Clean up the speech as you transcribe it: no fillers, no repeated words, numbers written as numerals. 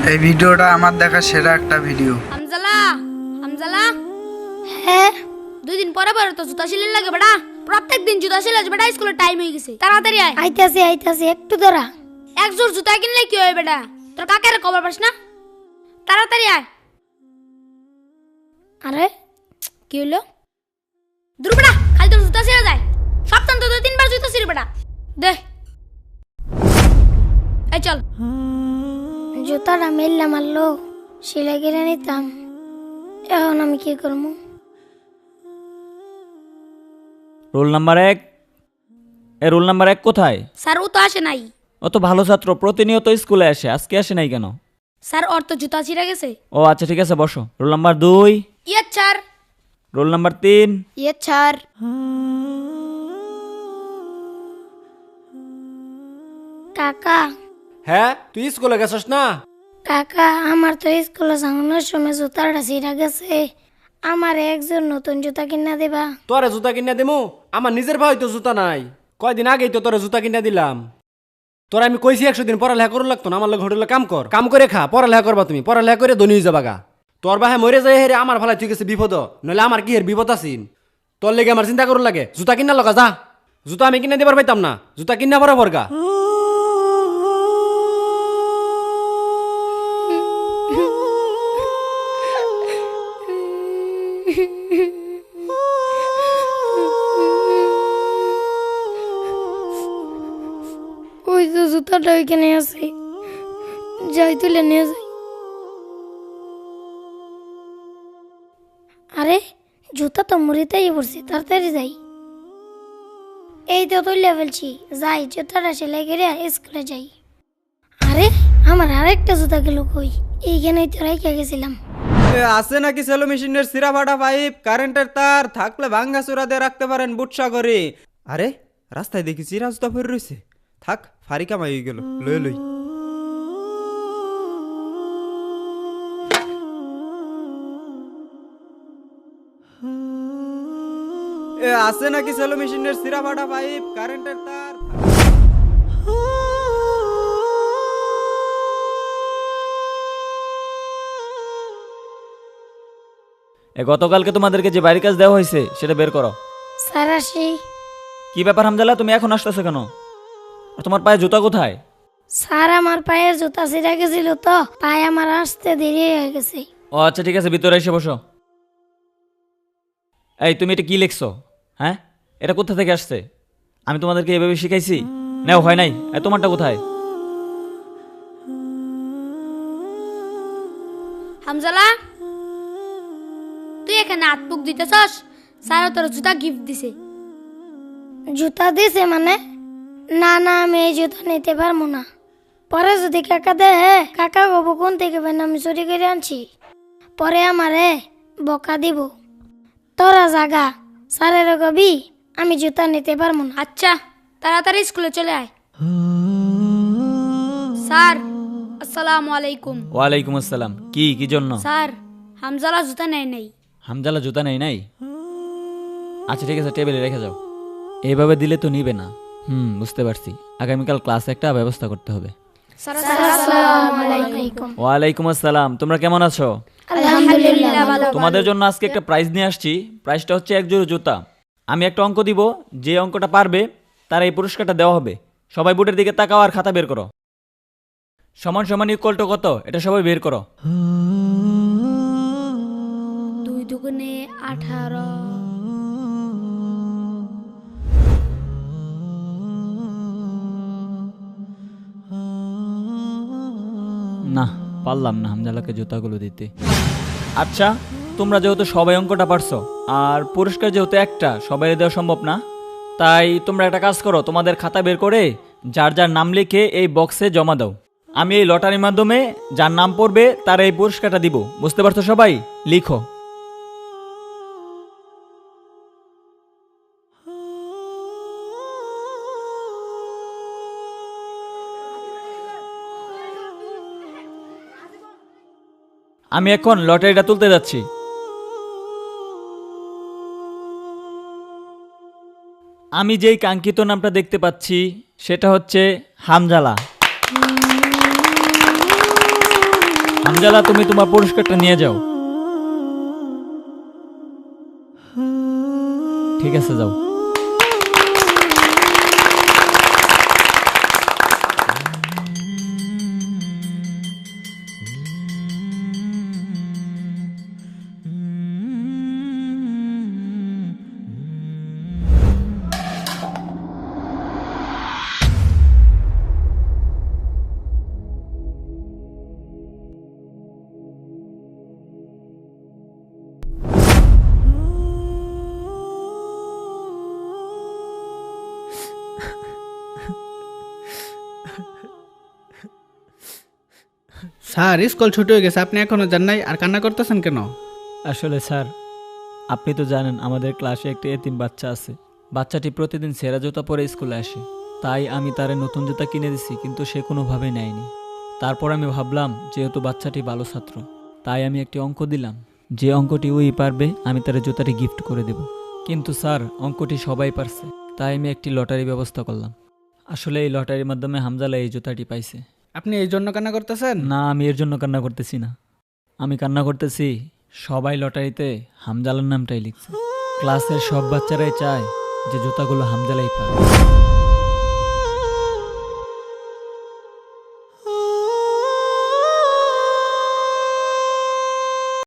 এই ভিডিওটা আমার দেখা সেরা একটা ভিডিও। হামজালা হামজালা হ্যাঁ 2 দিন পরে পরে তো জুতা সিলাই লাগে বেটা। প্রত্যেক দিন জুতা সিলাই বেটা, স্কুলের টাইম হয়ে গেছে, তাড়াতাড়ি আয়। আইতাছি একটু ধরা। এক জোড় জুতা কিনলে কি হয় বেটা? তোর কাকের খবর পাস না? তাড়াতাড়ি আয়। আরে কি হলো? দূর বেটা, খালি তোর জুতা ছিঁড়ে যায়। সপ্তাহে তো 2-3 বার জুতা ছিঁড়ে বেটা। দে এই চল। জুতাটা মেললাম মারলো, সেলাই কিনে নিতাম। এখন আমি কি করবো? Roll number 1। রোল নাম্বার 1 কোথায়? স্যার ও তো আসে নাই। ও তো ভালো ছাত্র, প্রতিনিয়ত স্কুলে আসে, আজকে আসে নাই কেন? স্যার ওর তো জুতা ছিঁড়ে গেছে। ও আচ্ছা ঠিক আছে, বসো। Roll number 2। ইয়ে স্যার। Roll number 3। ইয়ে স্যার। কাকা হ্যাঁ, তুই স্কুলে গেছস না? কাকা আমার তো স্কুলে যাওয়ানোর সময় জুতাটা ছিঁড়া গেছে। আমার একজন নতুন জুতা কিনা দেবা? তোরে জুতা কিনে দেবো? আমার নিজের ভাই তো জুতা নাই। কয়দিন আগেই তো তোরে জুতা কিনে দিলাম। তোরা আমি কইছি 100 দিন পড়ালেখা করুন লাগতো না। আমার লোক হোটেলে কাম করে খা, পড়ালেখা করবা তুমি, পড়ালেখা করে ধনী হয়ে যাবা গা। তোর বাহে মরে যায় হেরে আমার ভালাই তুই গেছে বিপদ, নইলে আমার কি হের বিপদ আছিন। তোর লেগে আমার চিন্তা করুন লাগে। জুতা কিনা লগা যা, জুতা আমি কিনে দিবার পাইতাম না, জুতা কিনা বরাবর গা। ওই তো জুতাটা ওইখানে আছে, যাই তুলে নিয়ে যাই। আরে জুতা তো মুড়িতেই পড়ছে, তাড়াতাড়ি যাই। এই তো তুলে ফেলছি, যাই জুতাটা সেলাই করে স্কুলে যাই। আরে আমার আরেকটা জুতা গেল কই? এইখানেই তো রেখে গেছিলাম। আছে নাকি সেলো মেশিনের সিরা ফাটা পাইপ, কারেন্টের তার থাকলে ভাঙ্গা চূড়া দিয়ে রাখতে পারেন বুটসা করে। আরে রাস্তায় দেখি চিরা জুতা পরে রয়েছে, থাক ফারি কামাই হয়ে গেল, লই লই। আছে নাকি সেলো মেশিনের সিরা ফাটা পাইপ, কারেন্টের তার। গতকালকে তোমাদেরকে যে বাড়ির কাজ দেওয়া হয়েছে সেটা বের করো। স্যার আসি। কি ব্যাপার হামজালা, তুমি এখন আসতেছো কেন? আর তোমার পায়ে জুতা কোথায়? স্যার আমার পায়ের জুতা ছিঁড়া গেছিল তো, পায়ে আমার আসতে দেরি হয়ে গেছে। ও আচ্ছা ঠিক আছে, ভিতরে এসে বসো। এই তুমি এটা কি লিখছো? হ্যাঁ, এটা কোথা থেকে আসছে? আমি তোমাদেরকে এভাবে শিখাইছি? নাও হয় নাই। তোমারটা কোথায়? হামজালা তুই এখানে হাত মুখ দিতেছস? স্যার তোর জুতা গিফট দিছে। জুতা দিছে মানে? না না, আমি এই জুতা নিতে পারবো না। পরে যদি কাকা দেয়, কাকা বাবু কোন থেকে বেন আমি চুরি করে আনছি, পরে আমারে বকা দিব। তোরা জাগা, স্যারের কবি আমি জুতা নিতে পারবো না। আচ্ছা তাড়াতাড়ি স্কুলে চলে আয়। স্যার আসসালামু আলাইকুম। ওয়ালাইকুম আসসালাম। কি জন্য? স্যার হামজালা জুতা নেয় নাই। হামজালা জুতা নেই নাই? আচ্ছা ঠিক আছে, টেবিলে রেখে যাও। এইভাবে দিলে তো নিবে না। বুঝতে পারছি। আগামীকাল ক্লাসে একটা ব্যবস্থা করতে হবে। স্যার আসসালামু আলাইকুম। ওয়ালাইকুম আসসালাম। তোমরা কেমন আছো? আলহামদুলিল্লাহ ভালো। তোমাদের জন্য আজকে একটা প্রাইজ নিয়ে আসছি। প্রাইজটা হচ্ছে এক জোড়া জুতা। আমি একটা অঙ্ক দিব, যে অঙ্কটা পারবে তার এই পুরস্কারটা দেওয়া হবে। সবাই বোর্ডের দিকে তাকাও আর খাতা বের করো। সমান সমান ইকুয়াল টু কত, এটা সবাই বের করো। 2 দুগুণে 18। না, পারলাম না হামজালাকে জুতাগুলো দিতে। আচ্ছা, তোমরা যেহেতু সবাই অঙ্কটা পারছো আর পুরস্কার যেহেতু একটা, সবাই দেওয়া সম্ভব না, তাই তোমরা একটা কাজ করো, তোমাদের খাতা বের করে যার যার নাম লিখে এই বক্সে জমা দাও। আমি এই লটারির মাধ্যমে যার নাম পড়বে তার এই পুরস্কারটা দিব। বুঝতে পারছো সবাই? লিখো। আমি এখন লটারিটা তুলতে যাচ্ছি। আমি যেই কাঙ্ক্ষিত নামটা দেখতে পাচ্ছি সেটা হচ্ছে হামজালা। হামজালা, তুমি তোমার পুরস্কারটা নিয়ে যাও। ঠিক আছে, যাও। স্যার, স্কুল ছুটি হয়ে গেছে, আপনি এখনো যান নাই আর কান্না করতেছেন কেন? আসলে স্যার, আপনি তো জানেন আমাদের ক্লাসে একটি এতিম বাচ্চা আছে। বাচ্চাটি প্রতিদিন সেরা জুতা পরে স্কুলে আসে, তাই আমি তারে নতুন জুতা কিনে দিছি, কিন্তু সে কোনোভাবেই নেয়নি। তারপর আমি ভাবলাম যেহেতু বাচ্চাটি ভালো ছাত্র, তাই আমি একটি অঙ্ক দিলাম, যে অঙ্কটি ওই পারবে আমি তার জুতাটি গিফট করে দেব। কিন্তু স্যার, অঙ্কটি সবাই পারছে, তাই আমি একটি লটারি ব্যবস্থা করলাম। আসলে এই লটারির মাধ্যমে হামজালা এই জুতাটি পাইছে। আপনি এই জন্য কান্না করতেছেন? না, আমি এর জন্য কান্না করতেছি না। আমি কান্না করতেছি সবাই লটারিতে হামজালার নামটাই লিখছে। ক্লাসের সব বাচ্চারাই চায় যে জুতাগুলো হামজালাই পাবে।